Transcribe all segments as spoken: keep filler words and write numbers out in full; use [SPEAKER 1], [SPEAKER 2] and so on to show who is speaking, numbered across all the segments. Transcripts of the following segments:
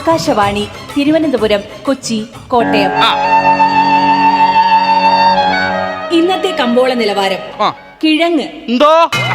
[SPEAKER 1] ആകാശവാണി തിരുവനന്തപുരം, കൊച്ചി, കോട്ടയം. ഇന്നത്തെ കമ്പോള നിലവാരം. കിഴങ്ങ്
[SPEAKER 2] എന്തോ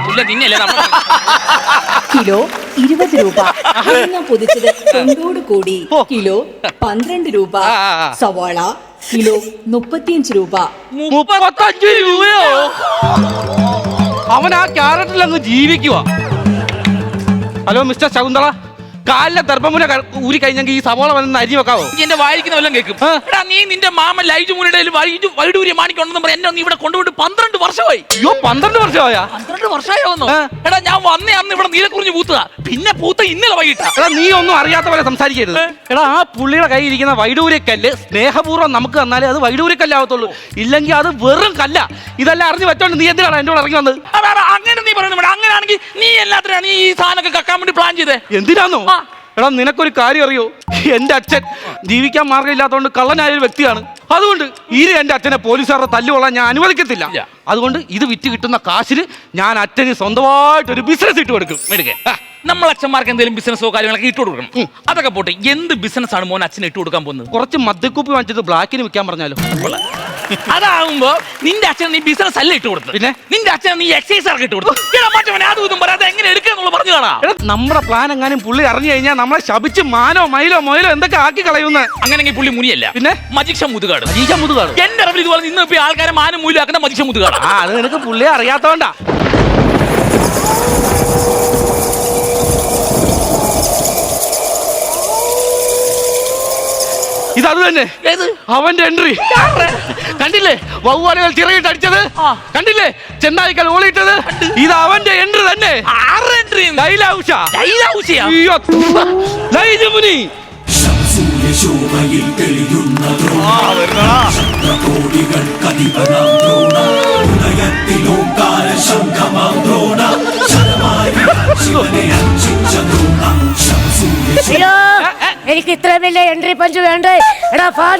[SPEAKER 1] കിലോ ഇരുപത് രൂപ. തേങ്ങ പൊതിച്ചത് തൊണ്ടോട് കൂടി കിലോ പന്ത്രണ്ട് രൂപ. സവാള കിലോ മുപ്പത്തിയഞ്ച് രൂപ.
[SPEAKER 2] മുപ്പത്തഞ്ച് രൂപയോ? അവൻ ആ ക്യാരറ്റിൽ അങ്ങ് ജീവിക്കുക. ഹലോ മിസ്റ്റർ ശകുന്തള, കാലിലെ ദർഭമുന ഊരി കഴിഞ്ഞെങ്കിൽ ഈ സവോള വന്ന് അരി വെക്കാവോ?
[SPEAKER 3] എന്റെ വായിക്കുന്ന വല്ലതും കേൾക്കും. എടാ നീ നിന്റെ മാമൻ ലൈജു മുനിയുടെ വൈഡൂര്യ മാണിക്കുണ്ടെന്ന് പറയാൻ എന്നെ ഇവിടെ കൊണ്ടുപോയിട്ട് പന്ത്രണ്ട് വർഷമായി.
[SPEAKER 2] അയ്യോ, പന്ത്രണ്ട് വർഷമായാ?
[SPEAKER 3] പന്ത്രണ്ട് വർഷമായോന്നോ? എടാ ഞാൻ വന്നേ അന്ന് ഇവിടെ നീലക്കുറിഞ്ഞ് പൂത്തതാ, പിന്നെ പൂത്ത ഇന്നലെ വൈകിട്ടാ.
[SPEAKER 2] എടാ നീ ഒന്നും അറിയാത്ത പോലെ സംസാരിക്കരുത്. എടാ ആ പുള്ളിയുടെ കയ്യിൽ ഇരിക്കുന്ന വൈഡൂര്യക്കല്ല് സ്നേഹപൂർവ്വം നമുക്ക് തന്നാലേ അത് വൈഡൂര്യക്കല്ലാവത്തുള്ളൂ, ഇല്ലെങ്കിൽ അത് വെറും കല്ല. ഇതെല്ലാം അറിഞ്ഞു വെച്ചോണ്ട് നീ എന്തിനാണ് എന്റെ കൂടെ ഇറങ്ങി വന്നത്?
[SPEAKER 3] അങ്ങനെ നീ പറയുന്നത് അങ്ങനെയാണെങ്കിൽ നീ എല്ലാത്തിനാണ് നീ ഈ സാധനമൊക്കെ കക്കാൻ വേണ്ടി പ്ലാൻ ചെയ്തേ?
[SPEAKER 2] എന്തിനാന്നോ? എടാ നിനക്കൊരു കാര്യം അറിയോ? എന്റെ അച്ഛൻ ജീവിക്കാൻ മാർഗമില്ലാത്തതുകൊണ്ട് കള്ളനായ ഒരു വ്യക്തിയാണ്. അതുകൊണ്ട് ഇനി എന്റെ അച്ഛനെ പോലീസുകാരുടെ തല്ലുകൊള്ളാൻ ഞാൻ അനുവദിക്കത്തില്ല. അതുകൊണ്ട് ഇത് വിറ്റ് കിട്ടുന്ന കാശിന് ഞാൻ അച്ഛന് സ്വന്തമായിട്ട് ഒരു ബിസിനസ് ഇട്ട് കൊടുക്കും.
[SPEAKER 3] എടുക്കേ, നമ്മൾ അച്ഛന്മാർക്ക് എന്തെങ്കിലും ബിസിനസ്സോ കാര്യങ്ങളൊക്കെ ഇട്ട് കൊടുക്കണം. അതൊക്കെ പോട്ടെ, എന്ത് ബിസിനസ് ആണ് മോൻ അച്ഛനെ ഇട്ട് കൊടുക്കാൻ പോകുന്നത്?
[SPEAKER 2] കുറച്ച് മദ്യക്കുപ്പി വാങ്ങിച്ചത് ബ്ലാക്കിന് വിൽക്കാൻ പറഞ്ഞാലോ?
[SPEAKER 3] അതാവുമ്പോ നിന്റെ അച്ഛൻ നീ ബിസിനസ് അല്ല ഇട്ട് കൊടുത്തു, പിന്നെ നിന്റെ അച്ഛൻ നീ എക്സൈസ് ആർക്ക് ഇട്ട് കൊടുത്തു. അതും ഇതും പറയാതെ എങ്ങനെ എടുക്കാന്നുള്ള പറഞ്ഞു കാണാം.
[SPEAKER 2] നമ്മുടെ പ്ലാൻ എങ്ങാനും പുള്ളി അറിഞ്ഞു കഴിഞ്ഞാൽ നമ്മളെ ശപിച്ച് മാനോ മയിലോ മൊയിലോ എന്തൊക്കെ ആക്കി കളയുന്ന.
[SPEAKER 3] അങ്ങനെങ്കിൽ പുള്ളി മുനിയല്ല, പിന്നെ മജിക്ഷ മുതുകാട്.
[SPEAKER 2] മജിക്ഷ മുതുകാട്
[SPEAKER 3] എന്റെ അറിവിൽ ഇതുപോലെ ഇന്ന് ഇപ്പൊ ആൾക്കാരെ മാനം മൂലം ആക്കുന്ന മജിക്ഷ മുതുകാട്.
[SPEAKER 2] ആ അത് നിനക്ക് പുള്ളിയെ അറിയാത്തോണ്ടാ. ഇതത് തന്നെ അവന്റെ എൻട്രി കണ്ടില്ലേ? വവ്വാലുകൾ ചിറകിട്ട് അടിച്ചത് കണ്ടില്ലേ? ചെന്നായിക്കൽ ഓളിയിട്ടത് ഇത് അവന്റെ എൻട്രി തന്നെ.
[SPEAKER 4] എനിക്ക് ഇത്ര വലിയ എൻട്രി പഞ്ച് വേണ്ടേ? എടാ ഫാൻ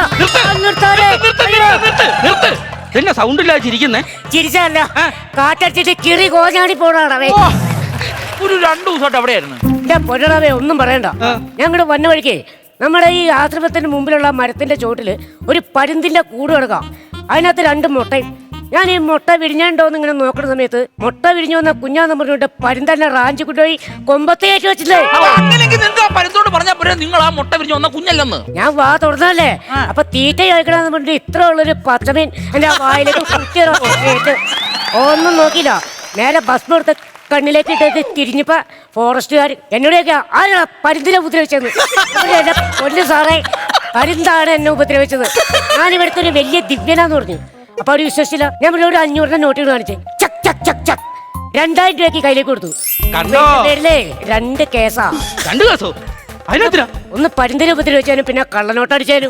[SPEAKER 2] എന്നെ സൗണ്ട് ഇല്ലാതെ ചിരിക്കുന്നേ?
[SPEAKER 4] ചിരിച്ചല്ല, കാറ്റടിച്ചിട്ട് കിറി കോഞ്ഞാടി പോണാടവേ.
[SPEAKER 3] ഒരു രണ്ടു ദിവസമായിട്ട് അവിടെയായിരുന്നു.
[SPEAKER 4] എന്റെ പൊന്നടവേ ഒന്നും പറയണ്ട. ഞങ്ങളുടെ വന്ന വഴിക്കേ നമ്മുടെ ഈ ആശ്രമത്തിന്റെ മുമ്പിലുള്ള മരത്തിന്റെ ചോട്ടില് ഒരു പരുന്തിന്റെ കൂട് കിടക്കാം. അതിനകത്ത് രണ്ട് മുട്ടയും. ഞാൻ ഈ മുട്ട വിരിഞ്ഞോന്ന് ഇങ്ങനെ നോക്കുന്ന സമയത്ത് മുട്ട വിരിഞ്ഞു വന്ന കുഞ്ഞാന്ന് പറഞ്ഞിട്ട് പരുന്തന്നെ റാഞ്ചി കൊണ്ടുപോയി കൊമ്പത്തേറ്റ് വെച്ചില്ലേ.
[SPEAKER 3] പരുന്തോട് പറഞ്ഞാൽ പോരാ നിങ്ങൾ ആ മുട്ട വിരിഞ്ഞു വന്ന കുഞ്ഞല്ലെന്ന്.
[SPEAKER 4] ഞാൻ വാ തുറന്നല്ലേ, അപ്പൊ തീറ്റ കഴിക്കണമെന്ന് പറഞ്ഞിട്ട് ഇത്ര ഉള്ളൊരു പച്ചമീൻ എന്റെ വായിലേക്ക് കുത്തിയിട്ട് ഒന്നും നോക്കിയില്ല. നേരെ ഭസ്മം എടുത്ത് കണ്ണിലേക്ക് ഇട്ടത് തിരിഞ്ഞപ്പോ ഫോറസ്റ്റുകാർ എന്നോടൊക്കെ ആരാ പരുന്തിനെ ഉപദ്രവിച്ചത്? എന്റെ പൊന്നു സാറേ, പരുന്താണ് എന്നെ ഉപദ്രവിച്ചത്. ഞാനിവിടുത്തെ ഒരു വലിയ ദിവ്യനാന്ന് പറഞ്ഞു. അപ്പൊ അവര് വിശ്വസിച്ചില്ല. ഞാൻ ഇവിടെ ഒരു അഞ്ഞൂറിന്റെ നോട്ടുകൾ കാണിച്ചേ. ചക് ചക് ചക് ചക് രണ്ടായിരം രൂപയ്ക്ക് കയ്യിലേക്ക് കൊടുത്തു. പേരിലേ രണ്ട് കേസാ.
[SPEAKER 2] രണ്ട് കേസോ? അതിനെത്തിനാ?
[SPEAKER 4] ഒന്ന് പരുന്തിനെ ഉപദ്രവിച്ചാലും പിന്നെ കള്ളനോട്ടടിച്ചാലും.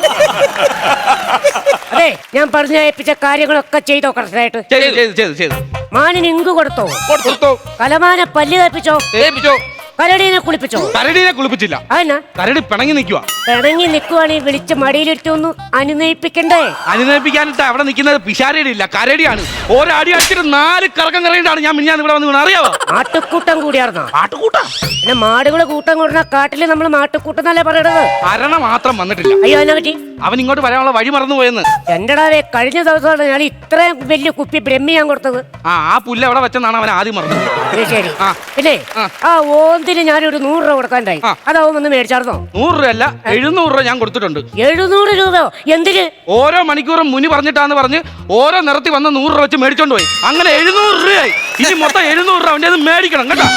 [SPEAKER 4] അതെ, ഞാൻ പറഞ്ഞു ഏൽപ്പിച്ച കാര്യങ്ങളൊക്കെ ചെയ്തോ കറക്റ്റായിട്ട്? മാനിന് ഇങ്ക് കൊടുത്തോ? കലമാനെ പല്ല് കേൾപ്പിച്ചോ? കരടീനെ കുളിപ്പിച്ചോ?
[SPEAKER 2] കരടീനെ കുളിപ്പിച്ചില്ല.
[SPEAKER 4] അതിനാ
[SPEAKER 2] കരടി പിണങ്ങി നിൽക്കുക.
[SPEAKER 4] പിണങ്ങി നിൽക്കുവാണെങ്കിൽ വിളിച്ച് മടിയിലിട്ടൊന്നും അനുനയിപ്പിക്കണ്ടേ?
[SPEAKER 2] അനുനയിപ്പിക്കാനിട്ട് അവിടെ നിൽക്കുന്നത് പിശാരടി ഇല്ല, കരടിയാണ്. ഒരടി അടിച്ചിട്ട് നാല് കറക്കം കറങ്ങിയിട്ടാണ് ഞാൻ മിനിഞ്ഞാന്ന് ഇവിടെ വന്ന് വീണ. അറിയാവോ?
[SPEAKER 4] ആട്ടുകൂട്ടം കൂടിയാർന്നോ?
[SPEAKER 3] ആട്ടുകൂട്ടം
[SPEAKER 4] പിന്നെ മാടുകളെ കൂട്ടം കൂടുന്ന കാട്ടില് നമ്മൾ മാട്ടുകൂട്ടം എന്നല്ലേ പറയണത്.
[SPEAKER 2] അരണ മാത്രം വന്നിട്ടില്ല.
[SPEAKER 4] അയ്യോ അതിനെ പറ്റി
[SPEAKER 2] അവൻ ഇങ്ങോട്ട് വരാനുള്ള വഴി മറന്നു പോയെന്ന്.
[SPEAKER 4] എന്റെടാവേ, കഴിഞ്ഞ ദിവസമാണ് ഞാൻ ഇത്രയും വലിയ കുപ്പി ബ്രഹ്മി ഞാൻ കൊടുത്തത്.
[SPEAKER 2] ആ ആ പുല്ല് എവിടെ വെച്ചെന്നാണ് അവൻ ആദ്യം മറന്നത്.
[SPEAKER 4] ശരി. പിന്നെ ആ ഓന്തിന് ഞാനൊരു നൂറ് രൂപ കൊടുക്കാണ്ടായി. അതാവും ഒന്ന് മേടിച്ചാർന്നോ?
[SPEAKER 2] നൂറ് രൂപ അല്ല, എഴുന്നൂറ് രൂപ ഞാൻ കൊടുത്തിട്ടുണ്ട്.
[SPEAKER 4] എഴുന്നൂറ് രൂപയോ? എന്തിന്?
[SPEAKER 2] ഓരോ മണിക്കൂറും മുനി പറഞ്ഞിട്ടാന്ന് പറഞ്ഞ് ഓരോ നിറത്തി വന്ന് നൂറ് രൂപ വെച്ച് മേടിച്ചോണ്ട് പോയി. അങ്ങനെ എഴുന്നൂറ് രൂപയായി. ഇനി മൊത്തം എഴുന്നൂറ് രൂപ അവന്റെ മേടിക്കണം കേട്ടോ.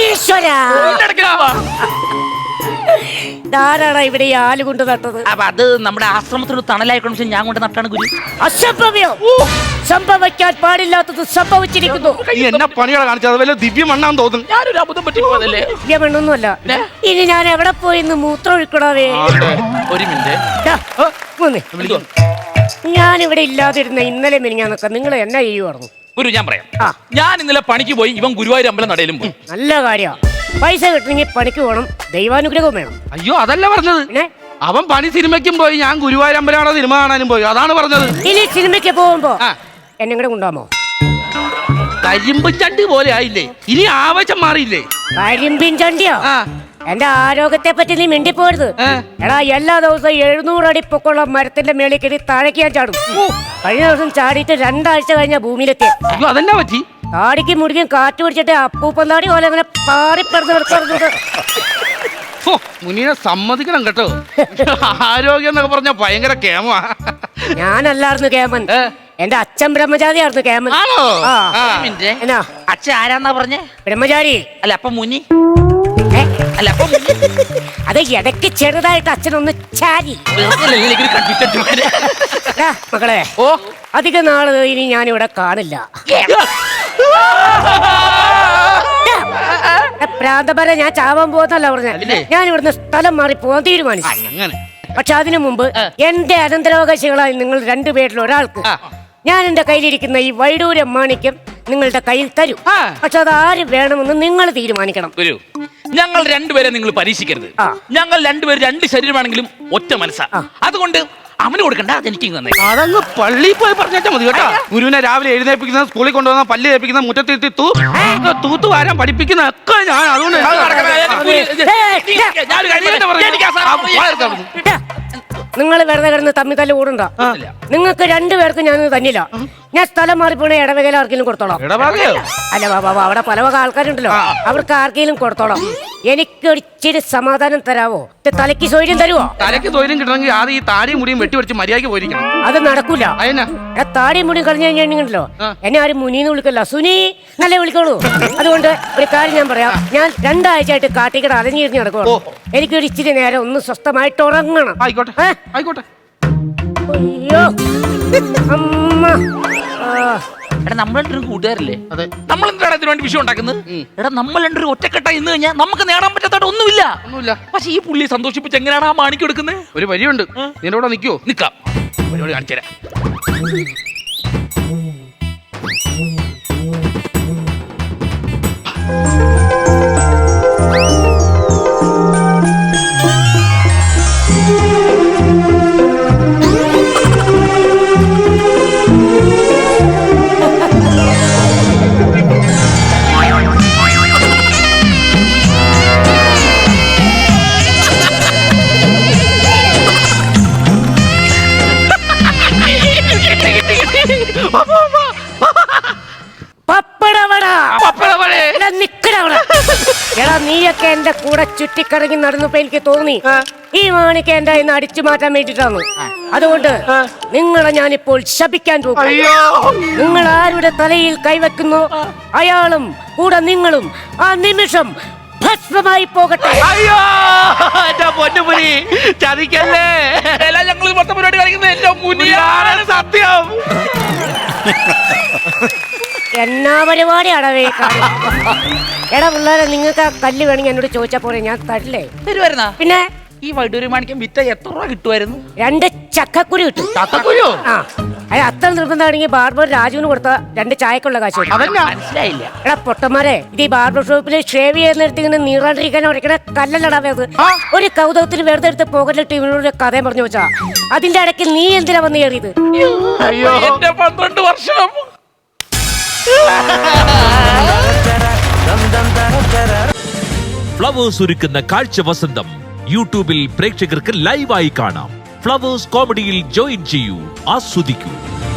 [SPEAKER 4] ധാരാള ഇവിടെ ഈ ആല് കൊണ്ട് നട്ടത്.
[SPEAKER 3] അപ്പൊ അത് നമ്മുടെ ആശ്രമത്തിന് തണലായിക്കോണെന്ന് ഞാൻ കൊണ്ട് നട്ടാണ് ഗുരു.
[SPEAKER 4] അസംഭവ്യം, സംഭവിക്കാൻ പാടില്ലാത്തത് സംഭവിച്ചിരിക്കുന്നു.
[SPEAKER 2] എന്നെ പണികളെ കാണിച്ചത് വല്ല ദിവ്യമണ്ണാന്ന് തോന്നുന്നു.
[SPEAKER 3] ഞാനൊരു അബദ്ധം പറ്റി പോയതല്ലേ?
[SPEAKER 4] ദിവ്യമണ്ണൊന്നുമല്ല. ഇനി ഞാൻ എവിടെ പോയി ഇന്ന് മൂത്രം ഒഴിക്കണവേ?
[SPEAKER 3] ഒരു മിനിറ്റ്,
[SPEAKER 4] ഞാൻ ഇവിടെ ഇല്ലാതിരുന്ന ഇന്നലെ മിനിഞ്ഞാന്നൊക്കെ നിങ്ങൾ എന്നാ ചെയ്യുമായിരുന്നു?
[SPEAKER 3] ഗുരു ഞാൻ പറയാം. ഞാൻ ഇന്നലെ പണിക്ക് പോയി, ഇവൻ ഗുരുവായൂർ അമ്പലം നടയിലും പോയി.
[SPEAKER 4] നല്ല കാര്യ. പൈസ കിട്ടണമെങ്കിൽ പണിക്ക് പോകണം, ദൈവാനുഗ്രഹവും വേണം.
[SPEAKER 2] അയ്യോ അതല്ല പറഞ്ഞത്.
[SPEAKER 4] പിന്നെ
[SPEAKER 2] അവൻ പണി സിനിമയ്ക്കും പോയി, ഞാൻ ഗുരുവായൂർ അമ്പലമാണോ സിനിമ കാണാനും പോയി. അതാണ് പറഞ്ഞത്.
[SPEAKER 4] ഇനി സിനിമയ്ക്ക് പോകുമ്പോ എന്നെ കൂടെ കൊണ്ടുപോകാമോ?
[SPEAKER 2] കരിമ്പും ചണ്ടി പോലെ ആയില്ലേ? ഇനി ആവശ്യം മാറിയില്ലേ?
[SPEAKER 4] കരിമ്പിൻ ചണ്ടിയോ? എന്റെ ആരോഗ്യത്തെ പറ്റി നീ മിണ്ടിപ്പോരുത്. എടാ എല്ലാ ദിവസവും എഴുന്നൂറ് അടി പൊക്കമുള്ള മരത്തിന്റെ മേളിൽ കയറി താഴേക്ക് ഞാൻ ചാടും. കഴിഞ്ഞ ദിവസം ചാടിയിട്ട് രണ്ടാഴ്ച കഴിഞ്ഞ ഭൂമിയിലെത്തി.
[SPEAKER 2] അയ്യോ അതെന്നാ പറ്റി?
[SPEAKER 4] താടിക്ക് മുടിക്കും കാറ്റ് പിടിച്ചിട്ട് അപ്പൂപ്പന്താടി പോലെ അങ്ങനെ പാറിപ്പറന്ന് കിടക്കുന്നത്.
[SPEAKER 2] ഓ, മുനീനെ സമ്മതിക്കണം കേട്ടോ. ആരോഗ്യം എന്നൊക്കെ പറഞ്ഞ ഭയങ്കര കേമാ.
[SPEAKER 4] ഞാനല്ലായിരുന്നു കേമൻ, എന്റെ അച്ഛൻ ബ്രഹ്മചാരിയായിരുന്നു കേമൻ.
[SPEAKER 2] ആണോ?
[SPEAKER 4] ആ.
[SPEAKER 2] ആ.
[SPEAKER 3] മിനിറ്റ്.
[SPEAKER 4] എന്നാ
[SPEAKER 3] അച്ഛൻ ആരാന്നാ പറഞ്ഞേ?
[SPEAKER 4] ബ്രഹ്മചാരി.
[SPEAKER 3] അല്ല അപ്പൊ മുനി.
[SPEAKER 4] ഏ?
[SPEAKER 3] അല്ല അപ്പൊ മുനി.
[SPEAKER 4] അത് ഇടയ്ക്ക് ചെറുതായിട്ട് അച്ഛനൊന്ന് ചാരി. എടാ, മക്കളെ,
[SPEAKER 3] ഓ
[SPEAKER 4] അധിക നാള് ഇനി ഞാനിവിടെ കാണില്ല. പ്രാന്തപര ഞാൻ ചാവാൻ പോകുന്നല്ല പറഞ്ഞ. ഞാൻ ഇവിടുന്ന് സ്ഥലം മാറി പോകാൻ തീരുമാനിച്ചു.
[SPEAKER 2] അങ്ങനെ
[SPEAKER 4] പക്ഷെ അതിനു മുമ്പ് എന്റെ അനന്തരാവകാശികളായി നിങ്ങൾ രണ്ടുപേരിൽ ഒരാൾക്ക് ഞാൻ എന്റെ കയ്യിലിരിക്കുന്ന ഈ വൈഡൂര്യം മാണിക്യം നിങ്ങളുടെ കയ്യിൽ തരും. പക്ഷെ അത് ആര് വേണമെന്ന് നിങ്ങൾ തീരുമാനിക്കണം.
[SPEAKER 3] ഒരു ഞങ്ങൾ രണ്ടുപേരെ നിങ്ങൾ പരീക്ഷിക്കരുത്.
[SPEAKER 4] ആ.
[SPEAKER 3] ഞങ്ങൾ രണ്ടുപേരും രണ്ട് ശരീരമാണെങ്കിലും ഒറ്റ മനസ്സാ. അതുകൊണ്ട് അവന് കൊടുക്കണ്ട, അതെനിക്ക് തന്നെ.
[SPEAKER 2] അതങ്ങ് പള്ളിയിൽ പോയി പറഞ്ഞാൽ മതി കേട്ടോ. ഗുരുവിനെ രാവിലെ എഴുന്നേൽപ്പിക്കുന്ന, സ്കൂളിൽ കൊണ്ടുവന്ന, പല്ല് തേപ്പിക്കുന്ന, മുറ്റത്തിരുത്തി തൂ തൂത്തു വാരാൻ പഠിപ്പിക്കുന്ന ഒക്കെ ഞാൻ. അതുകൊണ്ട്
[SPEAKER 4] നിങ്ങൾ വെറുതെ കിടന്ന് തമ്മി തല്ല് കൂടണ്ട. നിങ്ങൾക്ക് രണ്ടുപേർക്കും ഞാൻ തന്നില്ല. ഞാൻ സ്ഥലം മാറിപ്പോണ ഇടവകയിൽ ആർക്കെങ്കിലും കൊടുത്തോളാം.
[SPEAKER 2] ഇടവകയോ?
[SPEAKER 4] അല്ല ബാബാ, അവിടെ പല വക ആൾക്കാരുണ്ടല്ലോ, അവർക്ക് ആർക്കെങ്കിലും കൊടുത്തോളാം. എനിക്ക് ഇച്ചിരി സമാധാനം തരാവോ? തലയ്ക്ക് സൗകര്യം തരുവോ?
[SPEAKER 2] തലയ്ക്ക് തൊഴിലും കിട്ടണമെങ്കിൽ ആദ്യം ഈ താടിയും മുടിയും വെട്ടിവെച്ച് മര്യാദയ്ക്ക് പോയിരിക്കണം.
[SPEAKER 4] അത് നടക്കൂല.
[SPEAKER 2] അതിനാ
[SPEAKER 4] താടിയും മുടിയും കളഞ്ഞു കഴിഞ്ഞിട്ടുണ്ടല്ലോ, എന്നെ ആരും മുനീന്ന് വിളിക്കല്ല, സുനി നല്ല വിളിക്കോളൂ. അതുകൊണ്ട് ഒരു കാര്യം ഞാൻ പറയാം. ഞാൻ രണ്ടാഴ്ചയായിട്ട് കാട്ടിക്കട അലഞ്ഞിരിഞ്ഞ് നടക്കുള്ളൂ. എനിക്കൊരു ഇച്ചിരി നേരം ഒന്ന് സ്വസ്ഥമായിട്ട് ഉറങ്ങണം.
[SPEAKER 2] ആയിക്കോട്ടെ ആയിക്കോട്ടെ.
[SPEAKER 4] അയ്യോ അമ്മ.
[SPEAKER 3] എടാ നമ്മൾ രണ്ടൊരു കൂട്ടുകാരല്ലേ?
[SPEAKER 2] അതെ.
[SPEAKER 3] നമ്മൾ എന്താണ് ഇതിനു വേണ്ടി വിഷയം ഉണ്ടാക്കുന്നത്? എടാ നമ്മൾ രണ്ടൊരു ഒറ്റക്കെട്ട ഇന്ന് കഴിഞ്ഞാൽ നമുക്ക് നേടാൻ പറ്റാത്ത ഒന്നുമില്ല.
[SPEAKER 2] ഒന്നുമില്ല.
[SPEAKER 3] പക്ഷെ ഈ പുള്ളിയെ സന്തോഷിപ്പിച്ച് എങ്ങനെയാണ് ആ മാണിക്ക് എടുക്കുന്നത്?
[SPEAKER 2] ഒരു വഴിയുണ്ട്. നിന്റെ കൂടെ നിൽക്കുവോ?
[SPEAKER 3] നിക്കാം, പരിപാടി കാണിച്ചു തരാം.
[SPEAKER 4] എടാ നീയൊക്കെ എന്റെ കൂടെ ചുറ്റിക്കറങ്ങി നടന്നപ്പോ എനിക്ക് തോന്നി ഈ മാണിക്ക് എന്റെ ഇന്ന് അടിച്ചു മാറ്റാൻ വേണ്ടിട്ടാണ്. അതുകൊണ്ട് നിങ്ങളെ ഞാനിപ്പോൾ ശപിക്കാൻ പോകും. നിങ്ങൾ ആരുടെ തലയിൽ കൈവെക്കുന്നു അയാളും കൂടെ നിങ്ങളും ആ നിമിഷം ഭസ്മമായി പോകട്ടെ.
[SPEAKER 2] അയ്യോ എന്റെ പൊന്നുപുരി, ചതിക്കല്ലേ.
[SPEAKER 3] ഞങ്ങൾ മൊത്തം പരിപാടി കളിക്കുന്നത് എന്റെ മുന്നിലാണ്
[SPEAKER 2] സത്യം.
[SPEAKER 4] എന്നാ പരിപാടിയാണവേ. എടാ പിള്ളേരെ, നിങ്ങൾക്ക് ആ കല്ല് വേണമെങ്കിൽ എന്നോട് ചോദിച്ചാ പോരെ, ഞാൻ തരില്ലേ.
[SPEAKER 3] തരുവായിരുന്നാ?
[SPEAKER 4] പിന്നെ
[SPEAKER 3] ഈ വൈഡൂര് മാണിക്കം വിറ്റ എത്ര രൂപ കിട്ടുമായിരുന്നു?
[SPEAKER 4] രണ്ട് ചക്കക്കുരു കിട്ടും.
[SPEAKER 2] ചക്കക്കുരു?
[SPEAKER 4] ആ, അത് അത്ര നിർബന്ധമാണെങ്കിൽ ബാർബർ രാജുവിന് കൊടുത്ത രണ്ട് ചായക്കുള്ള കാശ് കിട്ടും.
[SPEAKER 2] അതെന്നാ?
[SPEAKER 3] മനസ്സിലായില്ല.
[SPEAKER 4] എടാ പൊട്ടന്മാരെ, ഇത് ഈ ബാർബർ ഷോപ്പിൽ ഷേവ് ചെയ്യുന്നിടത്ത് ഇങ്ങനെ നീറാണ്ടിരിക്കാൻ ഉടക്കണ കല്ലല്ലടാ അത്. ഒരു കൗതുകത്തിന് വെറുതെ എടുത്ത് പോകലിട്ട് ഇവനോട് കഥയും പറഞ്ഞു വെച്ചാ അതിന്റെ ഇടയ്ക്ക് നീ എന്തിനാ വന്ന് കയറിയത്?
[SPEAKER 3] അയ്യോ എന്റെ പന്ത്രണ്ട് വർഷം.
[SPEAKER 5] ഫ്ലവേഴ്സ് ഒരുക്കുന്ന കാഴ്ച വസന്തം യൂട്യൂബിൽ പ്രേക്ഷകർക്ക് ലൈവായി കാണാം. ഫ്ലവേഴ്സ് കോമഡിയിൽ ജോയിൻ ചെയ്യൂ, ആസ്വദിക്കൂ.